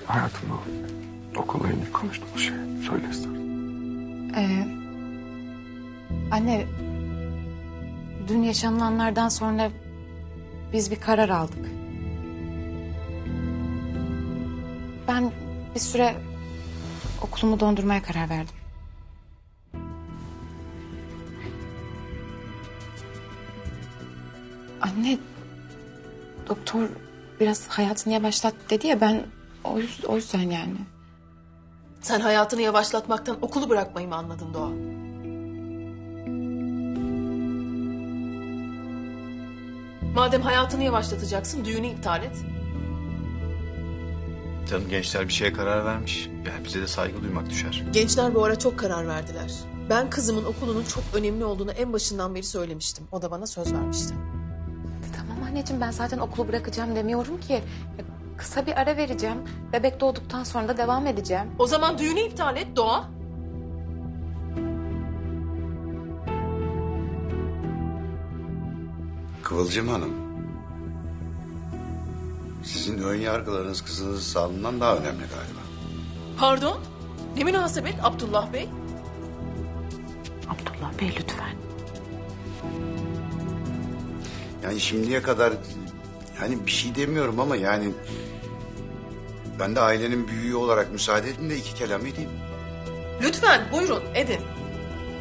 Hayatımda okulla ilgili konuştuğumuz şey. Söyle istersen. Anne, dün yaşanılanlardan sonra biz bir karar aldık. Ben bir süre okulumu dondurmaya karar verdim. Anne, doktor biraz hayatını yavaşlat dedi ya, ben o yüzden yani. Sen hayatını yavaşlatmaktan okulu bırakmayı mı anladın Doğa? Madem hayatını yavaşlatacaksın, düğünü iptal et. Canım, gençler bir şeye karar vermiş. Yani bize de saygı duymak düşer. Gençler bu ara çok karar verdiler. Ben kızımın okulunun çok önemli olduğunu en başından beri söylemiştim. O da bana söz vermişti. Tamam anneciğim, ben zaten okulu bırakacağım demiyorum ki. Ya, kısa bir ara vereceğim. Bebek doğduktan sonra da devam edeceğim. O zaman düğünü iptal et Doğa. Kıvılcım Hanım, sizin ön yargılarınız kızınızın sağlığından daha önemli galiba. Pardon? Ne münasebet Abdullah Bey? Abdullah Bey lütfen. Yani şimdiye kadar yani bir şey demiyorum ama yani ben de ailenin büyüğü olarak müsaade edin de iki kelam edeyim. Lütfen buyurun edin.